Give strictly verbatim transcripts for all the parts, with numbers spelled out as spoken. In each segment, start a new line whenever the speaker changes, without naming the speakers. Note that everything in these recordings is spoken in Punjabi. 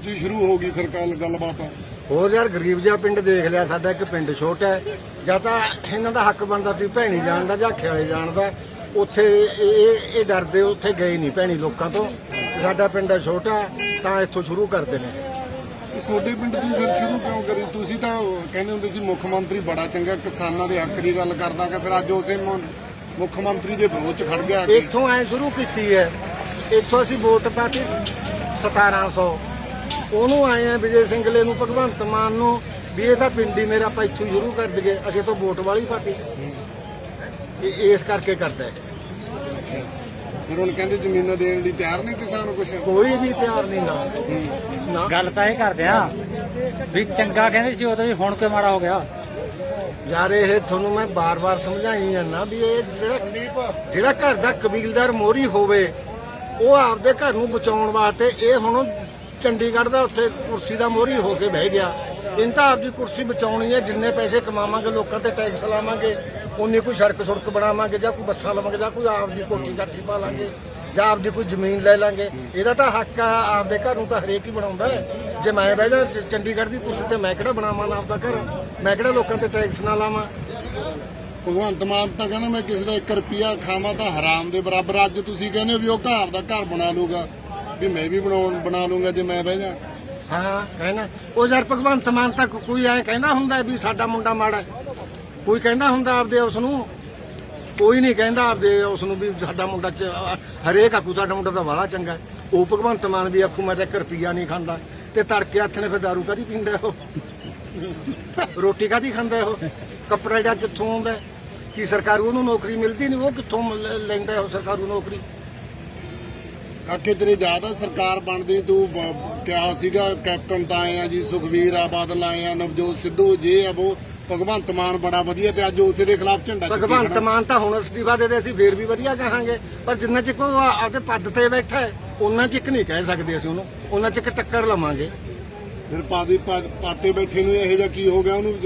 'ਚ ही शुरू होगी फिर कल गलबात?
ਹੋਰ ਯਾਰ ਗਰੀਬ ਜਿਹਾ ਪਿੰਡ ਦੇਖ ਲਿਆ, ਸਾਡਾ ਇੱਕ ਪਿੰਡ ਛੋਟਾ ਹੈ, ਜਾਂ ਤਾਂ ਇਹਨਾਂ ਦਾ ਹੱਕ ਬਣਦਾ ਸੀ ਭੈਣੀ ਜਾਣ ਦਾ ਜਾਂ ਖਿਆਲੇ ਜਾਣ ਦਾ। ਉੱਥੇ ਇਹ ਇਹ ਡਰਦੇ ਉੱਥੇ ਗਏ ਨਹੀਂ ਭੈਣੀ ਲੋਕਾਂ ਤੋਂ। ਸਾਡਾ ਪਿੰਡ ਛੋਟਾ ਤਾਂ ਇੱਥੋਂ ਸ਼ੁਰੂ ਕਰਦੇ ਨੇ।
ਤੁਹਾਡੇ ਪਿੰਡ 'ਚ ਫਿਰ ਸ਼ੁਰੂ ਕਿਉਂ ਕਰੀ? ਤੁਸੀਂ ਤਾਂ ਕਹਿੰਦੇ ਹੁੰਦੇ ਸੀ ਮੁੱਖ ਮੰਤਰੀ ਬੜਾ ਚੰਗਾ, ਕਿਸਾਨਾਂ ਦੇ ਹੱਕ ਦੀ ਗੱਲ ਕਰਦਾ ਕਿ ਫਿਰ ਅੱਜ ਉਸੇ ਮੁੱਖ ਮੰਤਰੀ ਦੇ ਵਿਰੋਧ 'ਚ ਖੜ ਗਿਆ।
ਇੱਥੋਂ ਐ ਸ਼ੁਰੂ ਕੀਤੀ ਹੈ, ਇੱਥੋਂ ਅਸੀਂ ਵੋਟ ਪਾਤੀ ਸਤਾਰਾਂ ਸੌ, ਉਹਨੂੰ ਆਏ ਆ ਵਿਜੇ ਸਿੰਗਲੇ ਨੂੰ, ਭਗਵੰਤ ਮਾਨ ਨੂੰ, ਵੀ ਇਹ ਤਾਂ ਪਿੰਡ ਹੀ ਮੇਰਾ, ਆਪਾਂ ਇੱਥੋਂ ਸ਼ੁਰੂ ਕਰ ਦਈਏ। ਅਸੀਂ ਤੋਂ ਵੋਟ ਵਾਲੀ ਪਾਤੀ, ਇਸ ਕਰਕੇ ਕਰਦਾ ਹੈ।
ਅੱਛਾ, ਫਿਰ ਹੁਣ ਕਹਿੰਦੇ ਜ਼ਮੀਨਾਂ ਦੇਣ ਲਈ ਤਿਆਰ ਨਹੀਂ ਕਿਸਾਨ? ਕੁਛ
ਕੋਈ ਵੀ ਤਿਆਰ ਨਹੀਂ ਨਾ।
ਗੱਲ ਤਾਂ ਇਹ ਕਰਦੇ ਆ ਵੀ ਚੰਗਾ ਕਹਿੰਦੇ ਸੀ ਉਦੋਂ, ਵੀ ਹੁਣ ਕਿਉਂ ਮਾੜਾ ਹੋ ਗਿਆ?
ਯਾਰ ਇਹ ਤੁਹਾਨੂੰ ਮੈਂ ਬਾਰ-ਬਾਰ ਸਮਝਾਈ ਜਾਂਦਾ ਵੀ ਇਹ ਜਿਹੜਾ ਜਿਹੜਾ ਘਰ ਦਾ ਕਬੀਲਦਾਰ ਮੋਹਰੀ ਹੋਵੇ, ਉਹ ਆਪਦੇ ਘਰ ਨੂੰ ਬਚਾਉਣ ਵਾਸਤੇ ਇਹ ਹੁਣ ਚੰਡੀਗੜ੍ਹ ਦਾ ਉੱਥੇ ਕੁਰਸੀ ਦਾ ਮੋਹਰੀ ਹੋ ਕੇ ਬਹਿ ਗਿਆ। ਇਹਨਾਂ ਤਾਂ ਆਪਦੀ ਕੁਰਸੀ ਬਚਾਉਣੀ ਹੈ। ਜਿੰਨੇ ਪੈਸੇ ਕਮਾਵਾਂਗੇ, ਲੋਕਾਂ ਤੇ ਟੈਕਸ ਲਾਵਾਂਗੇ, ਉਨੀ ਕੋਈ ਸੜਕ ਸੁੜਕ ਬਣਾਵਾਂਗੇ, ਜਾਂ ਕੋਈ ਬੱਸਾਂ ਲਵਾਂਗੇ, ਜਾਂ ਕੋਈ ਆਪਦੀ ਕੋਠੀ ਕਾਠੀ ਪਾ ਲਾਂਗੇ, ਜਾਂ ਆਪਦੀ ਕੋਈ ਜ਼ਮੀਨ ਲੈ ਲਾਂਗੇ। ਇਹਦਾ ਤਾਂ ਹੱਕ ਆ, ਆਪਦੇ ਘਰ ਨੂੰ ਤਾਂ ਹਰੇਕ ਹੀ ਬਣਾਉਂਦਾ ਹੈ। ਜੇ ਮੈਂ ਬਹਿ ਜਾ ਚੰਡੀਗੜ੍ਹ ਦੀ ਕੁਰਸੀ ਤੇ, ਮੈਂ ਕਿਹੜਾ ਬਣਾਵਾਂ ਨਾ ਆਪਦਾ ਘਰ? ਮੈਂ ਕਿਹੜਾ ਲੋਕਾਂ ਤੇ ਟੈਕਸ ਨਾ ਲਾਵਾਂ?
ਭਗਵੰਤ ਮਾਨ ਤਾਂ ਕਹਿੰਦਾ ਮੈਂ ਕਿਸੇ ਦਾ ਇੱਕ ਰੁਪਿਆ ਖਾਵਾਂ ਤਾਂ ਹਰਾਮ ਦੇ ਬਰਾਬਰ। ਅੱਜ ਤੁਸੀਂ ਕਹਿੰਦੇ ਵੀ ਉਹ ਘਰ ਦਾ ਘਰ ਬਣਾ ਲੂਗਾ, ਵੀ ਮੈਂ ਵੀ ਬਣਾਉਣ ਬਣਾ ਲੂੰਗਾ ਜੇ ਮੈਂ ਬਹਿ ਜਾ।
ਹਾਂ ਕਹਿਣਾ ਉਹ ਯਾਰ ਭਗਵੰਤ ਮਾਨ ਤਾਂ ਕੋਈ ਐ ਕਹਿੰਦਾ ਹੁੰਦਾ ਵੀ ਸਾਡਾ ਮੁੰਡਾ ਮਾੜਾ? ਕੋਈ ਕਹਿੰਦਾ ਹੁੰਦਾ ਆਪਦੇ ਉਸ ਨੂੰ? ਕੋਈ ਨਹੀਂ ਕਹਿੰਦਾ ਆਪਦੇ ਉਸ ਨੂੰ ਵੀ ਸਾਡਾ ਮੁੰਡਾ, ਹਰੇਕ ਆਖੂ ਸਾਡਾ ਮੁੰਡਾ ਤਾਂ ਵਾਲਾ ਚੰਗਾ। ਉਹ ਭਗਵੰਤ ਮਾਨ ਵੀ ਆਖੂ ਮੈਂ ਤਾਂ ਇੱਕ ਰੁਪਿਆ ਨਹੀਂ ਖਾਂਦਾ, ਤੇ ਤੜਕੇ ਹੱਥ ਨੇ ਫਿਰ ਦਾਰੂ ਕਾਹਦੀ ਪੀਂਦਾ ਉਹ? ਰੋਟੀ ਕਾਹਦੀ ਖਾਂਦਾ ਉਹ? ਕੱਪੜਾ ਜਿਹੜਾ ਕਿੱਥੋਂ ਆਉਂਦਾ? ਕੀ ਸਰਕਾਰੂ ਉਹਨੂੰ ਨੌਕਰੀ ਮਿਲਦੀ ਨਹੀਂ? ਉਹ ਕਿੱਥੋਂ ਲੈਂਦਾ ਉਹ ਸਰਕਾਰੂ ਨੌਕਰੀ?
ਕਾਕੇ ਤੇਰੇ ਯਾਦ ਆ ਸਰਕਾਰ ਬਣਦੀ ਤੂੰ ਕਿਹਾ ਸੀਗਾ ਕੈਪਟਨ ਤਾਂ ਆਏ ਆ ਜੀ, ਸੁਖਵੀਰ ਆ, ਬਾਦਲ ਆਏ ਆ, ਨਵਜੋਤ ਸਿੱਧੂ ਜੇ ਆ ਉਹ, ਭਗਵੰਤ ਮਾਨ ਬੜਾ ਵਧੀਆ, ਤੇ ਅੱਜ ਉਸੇ ਦੇ ਖਿਲਾਫ ਝੰਡਾ ਚੁੱਕੀ ਖੜਾ।
ਭਗਵੰਤ ਮਾਨ ਤਾਂ ਹੁਣ ਅਸਤੀਫਾ ਦੇ ਦੇ, ਅਸੀਂ ਫੇਰ ਵੀ ਵਧੀਆ ਕਹਾਂਗੇ, ਪਰ ਜਿੰਨਾ ਚਿਰ ਉਹ ਆਪਦੇ ਪਦ ਤੇ ਬੈਠਾ ਹੈ ਉਹਨਾਂ ਚਿਕ ਨਹੀਂ ਕਹਿ ਸਕਦੇ ਅਸੀਂ ਉਹਨੂੰ, ਉਹਨਾਂ ਚਿਕ ਟੱਕਰ ਲਵਾਂਗੇ।
ਫਿਰ ਪਾਦੀ ਪਾਤੇ ਬੈਠੇ ਨੂੰ ਇਹੋ ਜਿਹਾ ਕੀ ਹੋ ਗਿਆ ਉਹਨੂੰ?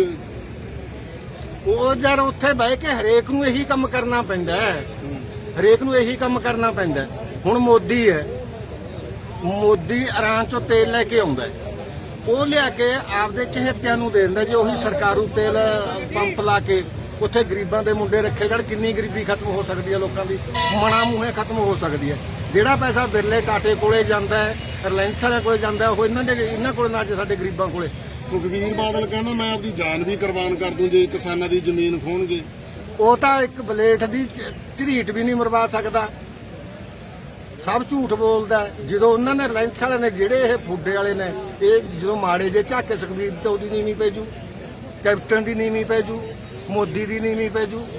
ਉਹ ਯਾਰ ਉੱਥੇ ਬਹਿ ਕੇ ਹਰੇਕ ਨੂੰ ਇਹੀ ਕੰਮ ਕਰਨਾ ਪੈਂਦਾ ਹੈ, ਹਰੇਕ ਨੂੰ ਇਹੀ ਕੰਮ ਕਰਨਾ ਪੈਂਦਾ। ਹੁਣ ਮੋਦੀ ਹੈ, ਮੋਦੀ ਇਰਾਨ ਚੋਂ ਤੇਲ ਲੈ ਕੇ ਆਉਂਦਾ, ਉਹ ਲਿਆ ਕੇ ਆਪਦੇ ਚਹੇਤਿਆਂ ਨੂੰ ਦੇ ਦਿੰਦਾ ਜੀ। ਉਹੀ ਸਰਕਾਰੂ ਤੇਲ ਪੰਪ ਲਾ ਕੇ ਉੱਥੇ ਗਰੀਬਾਂ ਦੇ ਮੁੰਡੇ ਰੱਖੇ ਜਾਣ। ਕਿੰਨੀ ਗਰੀਬੀ ਖਤਮ ਹੋ ਸਕਦੀ ਹੈ ਲੋਕਾਂ ਦੀ, ਮਣਾ ਮੂਹੇ ਖਤਮ ਹੋ ਸਕਦੀ ਹੈ। ਜਿਹੜਾ ਪੈਸਾ ਬਿਰਲੇ ਟਾਟੇ ਕੋਲੇ ਜਾਂਦਾ ਹੈ, ਰਿਲਾਇੰਸ ਵਾਲਿਆਂ ਕੋਲੇ ਜਾਂਦਾ ਹੈ, ਉਹ ਇਹਨਾਂ ਦੇ ਇਹਨਾਂ ਕੋਲੇ ਨਾ, ਸਾਡੇ ਗਰੀਬਾਂ ਕੋਲੇ।
ਸੁਖਵੀਰ ਬਾਦਲ ਕਹਿੰਦਾ ਮੈਂ ਆਪਦੀ ਜਾਨ ਵੀ ਕੁਰਬਾਨ ਕਰ ਦੂੰ ਜੇ ਕਿਸਾਨਾਂ ਦੀ ਜ਼ਮੀਨ ਖੋਣਗੇ।
ਉਹ ਤਾਂ ਇੱਕ ਬਲੇਟ ਦੀ ਝਰੀਟ ਵੀ ਨਹੀਂ ਮਰਵਾ ਸਕਦਾ, ਸਭ ਝੂਠ ਬੋਲਦਾ। ਜਦੋਂ ਉਹਨਾਂ ਨੇ ਰਿਲਾਇੰਸ ਵਾਲਿਆਂ ਨੇ, ਜਿਹੜੇ ਇਹ ਫੁੱਡੇ ਵਾਲੇ ਨੇ, ਇਹ ਜਦੋਂ ਮਾੜੇ ਜੇ ਝਾਕੇ ਸੁਖਵੀਰ ਤੇ ਉਹਦੀ ਨੀਵੀਂ ਪੈ ਜੂ, ਕੈਪਟਨ ਦੀ ਨੀਵੀਂ ਪੈ ਜੂ, ਮੋਦੀ ਦੀ ਨੀਵੀਂ ਪੈ ਜੂ।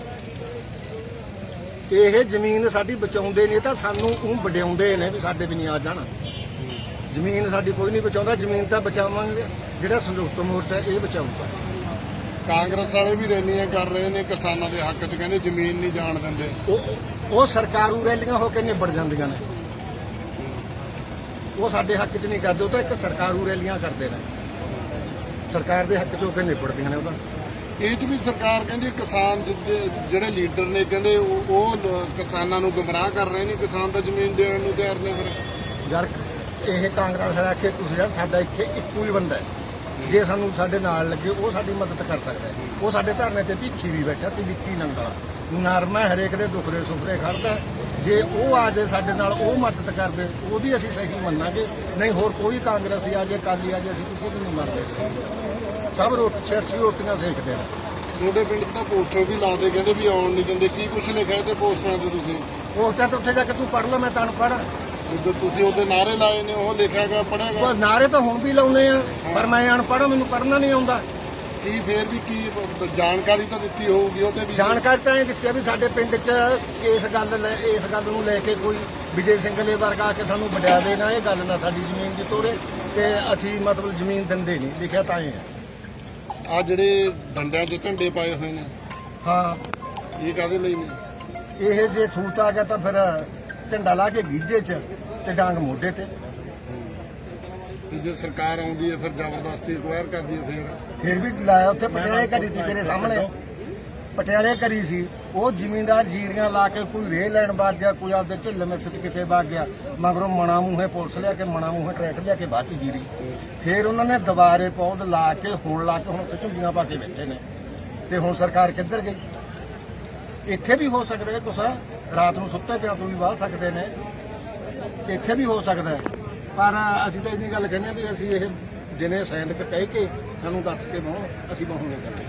ਇਹ ਜ਼ਮੀਨ ਸਾਡੀ ਬਚਾਉਂਦੇ ਨਹੀਂ ਤਾਂ ਸਾਨੂੰ ਉਹ ਵਡਿਆਉਂਦੇ ਨੇ ਵੀ ਸਾਡੇ ਵੀ ਨਹੀਂ ਆ ਜਾਣ। ਜ਼ਮੀਨ ਸਾਡੀ ਕੋਈ ਨਹੀਂ ਬਚਾਉਂਦਾ, ਜ਼ਮੀਨ ਤਾਂ ਬਚਾਵਾਂਗੇ ਜਿਹੜਾ ਸੰਯੁਕਤ ਮੋਰਚਾ ਇਹ ਬਚਾਊਗਾ।
ਕਾਂਗਰਸ ਵਾਲੇ ਵੀ ਰੈਲੀਆਂ ਕਰ ਰਹੇ ਨੇ ਕਿਸਾਨਾਂ ਦੇ ਹੱਕ 'ਚ, ਕਹਿੰਦੇ ਜ਼ਮੀਨ ਨਹੀਂ ਜਾਣ ਦਿੰਦੇ।
ਉਹ ਉਹ ਸਰਕਾਰੂ ਰੈਲੀਆਂ ਹੋ ਕੇ ਨਿਬੜ ਜਾਂਦੀਆਂ ਨੇ, ਉਹ ਸਾਡੇ ਹੱਕ 'ਚ ਨਹੀਂ ਕਰਦੇ। ਉਹ ਤਾਂ ਇੱਕ ਸਰਕਾਰੂ ਰੈਲੀਆਂ ਕਰਦੇ ਨੇ, ਸਰਕਾਰ ਦੇ ਹੱਕ 'ਚ ਹੋ ਕੇ ਨਿਬੜਦੀਆਂ ਨੇ। ਉਹਦਾ
ਇਹ 'ਚ ਵੀ ਸਰਕਾਰ ਕਹਿੰਦੀ ਕਿਸਾਨ ਜਿਹੜੇ ਲੀਡਰ ਨੇ ਕਹਿੰਦੇ ਉਹ ਕਿਸਾਨਾਂ ਨੂੰ ਗੁੰਮਰਾਹ ਕਰ ਰਹੇ ਨੇ, ਕਿਸਾਨ ਤਾਂ ਜ਼ਮੀਨ ਦੇਣ ਨੂੰ ਤਿਆਰ ਨੇ। ਫਿਰ
ਯਾਰ ਇਹ ਕਾਂਗਰਸ ਵਾਲਾ ਆਖੇ ਤੁਸੀਂ ਯਾਰ ਸਾਡਾ ਇੱਥੇ ਇੱਕੋ ਹੀ ਬੰਦਾ ਹੈ, ਜੇ ਸਾਨੂੰ ਸਾਡੇ ਨਾਲ ਲੱਗੇ ਉਹ ਸਾਡੀ ਮਦਦ ਕਰ ਸਕਦਾ ਹੈ। ਉਹ ਸਾਡੇ ਧਰਨੇ ਤੇ ਭਿੱਖੀ ਵੀ ਬੈਠਾ ਤੇ ਵਿੱਕੀ ਨੰਗਲਾ ਨਰਮਾ ਹਰੇਕ ਦੇ ਦੁੱਖ ਦੇ ਸੁੱਖਦੇ ਖੜਦਾ। ਜੇ ਉਹ ਆ ਜੇ ਸਾਡੇ ਨਾਲ, ਉਹ ਮਦਦ ਕਰਦੇ, ਉਹਦੀ ਅਸੀਂ ਸਹੀ ਮੰਨਾਂਗੇ। ਨਹੀਂ ਹੋਰ ਕੋਈ ਕਾਂਗਰਸੀ ਆ ਜੇ, ਅਕਾਲੀ ਆ ਜੇ, ਅਸੀਂ ਕਿਸੇ ਨੂੰ ਨਹੀਂ ਮੰਨਦੇ। ਸਭ ਰੋਟੀ ਸਿਆਸੀ ਰੋਟੀਆਂ ਸੇਕਦੇ ਨੇ।
ਤੁਹਾਡੇ ਪਿੰਡ ਤਾਂ ਪੋਸਟਰ ਵੀ ਲਾਦੇ, ਕਹਿੰਦੇ ਵੀ ਆਉਣ ਨਹੀਂ ਦਿੰਦੇ। ਕੀ ਕੁਛ ਲਿਖਿਆ ਤੇ ਪੋਸਟਰਾਂ ਤੇ ਤੁਸੀਂ?
ਪੋਸਟਾਂ ਤੇ ਉੱਥੇ ਜਾ ਕੇ ਤੂੰ ਪੜ੍ਹ ਲੈ, ਮੈਂ ਤਾਂ ਅਨਪੜ੍ਹ।
ਜਦੋਂ ਤੁਸੀਂ ਉਹਦੇ ਨਾਅਰੇ ਲਾਏ ਨੇ, ਉਹ ਲਿਖਿਆ ਗਿਆ, ਪੜ੍ਹਿਆ ਗਿਆ?
ਨਾਅਰੇ ਤਾਂ ਹੁਣ ਵੀ ਲਾਉਨੇ ਆ, ਪਰ ਮੈਂ ਅਨਪੜ੍ਹ, ਮੈਨੂੰ ਪੜ੍ਹਨਾ ਨਹੀਂ ਆਉਂਦਾ।
ਕੀ ਫੇਰ ਵੀ ਕੀ ਜਾਣਕਾਰੀ ਤਾਂ ਦਿੱਤੀ ਹੋਊਗੀ ਉਹਦੇ ਵੀ?
ਜਾਣਕਾਰੀ ਤਾਂ ਇਹ ਦਿੱਤੀ ਆ ਵੀ ਸਾਡੇ ਪਿੰਡ 'ਚ ਇਸ ਗੱਲ ਇਸ ਗੱਲ ਨੂੰ ਲੈ ਕੇ ਕੋਈ ਵਿਜੇ ਸਿੰਗਲੇ ਵਰਗਾ ਆ ਕੇ ਸਾਨੂੰ ਵਡਿਆਵੇ ਨਾ, ਇਹ ਗੱਲ ਨਾ ਸਾਡੀ ਜ਼ਮੀਨ ਦੀ ਤੋੜੇ, ਤੇ ਅਸੀਂ ਮਤਲਬ ਜ਼ਮੀਨ ਦਿੰਦੇ ਨਹੀਂ। ਲਿਖਿਆ ਤਾਂ ਇਹ ਹੈ।
ਆ ਜਿਹੜੇ ਡੰਡਿਆਂ 'ਚ ਝੰਡੇ ਪਾਏ ਹੋਏ ਨੇ,
ਹਾਂ
ਇਹ ਕਾਹਦੇ ਲਈ ਨੇ?
ਇਹ ਜੇ ਛੂਤ ਆ ਗਿਆ ਤਾਂ ਫਿਰ ਝੰਡਾ ਲਾ ਕੇ ਗੀਜੇ 'ਚ ਤੇ ਡਾਂਗ ਮੋਢੇ ਤੇ।
ਤੇ ਜੇ ਸਰਕਾਰ ਆਉਂਦੀ ਹੈ ਫਿਰ ਜ਼ਬਰਦਸਤੀ ਅਕਵਾਇਰ ਕਰਦੀ ਹੈ, ਫਿਰ
ਫਿਰ ਵੀ ਲਾਇਆ ਉੱਥੇ ਪਟਿਆਲੇ ਕਰੀ ਤੀ ਤੇਰੇ ਸਾਹਮਣੇ। ਪਟਿਆਲੇ ਕਰੀ ਸੀ, ਉਹ ਜ਼ਿਮੀਂਦਾਰ ਜੀਰੀਆਂ ਲਾ ਕੇ ਕੋਈ ਰੇਹ ਲੈਣ ਵਗ ਗਿਆ, ਕੋਈ ਆਪਦੇ ਢਿੱਲ ਮਿਸ ਚ ਕਿਤੇ ਵਗ ਗਿਆ, ਮਗਰੋਂ ਮਣਾ ਮੂੰਹੇ ਪੁਲਿਸ ਲਿਆ ਕੇ ਮਣਾ ਮੂੰਹੇ ਟਰੈਕਟਰ ਲਿਆ ਕੇ ਬਾਅਦ ਚ ਜੀਰੀ। ਫਿਰ ਉਹਨਾਂ ਨੇ ਦੁਬਾਰੇ ਪੌਦ ਲਾ ਕੇ ਹੁਣ ਲਾ ਕੇ ਹੁਣ ਉੱਥੇ ਝੁੱਗੀਆਂ ਪਾ ਕੇ ਬੈਠੇ ਨੇ। ਤੇ ਹੁਣ ਸਰਕਾਰ ਕਿੱਧਰ ਗਈ? ਇੱਥੇ ਵੀ ਹੋ ਸਕਦਾ ਹੈ ਕੁਛ, ਰਾਤ ਨੂੰ ਸੁੱਤੇ ਪਿਆ ਤੋਂ ਵੀ ਵਾਹ ਸਕਦੇ ਨੇ, ਇੱਥੇ ਵੀ ਹੋ ਸਕਦਾ ਹੈ। ਪਰ ਅਸੀਂ ਤਾਂ ਇੰਨੀ ਗੱਲ ਕਹਿੰਦੇ ਹਾਂ ਵੀ ਅਸੀਂ ਇਹ ਦਿਨੇ ਸੈਨਿਕ ਕਹਿ ਕੇ ਸਾਨੂੰ ਦੱਸ ਕੇ ਬਹੁ ਅਸੀਂ ਬਹੁਣੇ ਕਰਦੇ।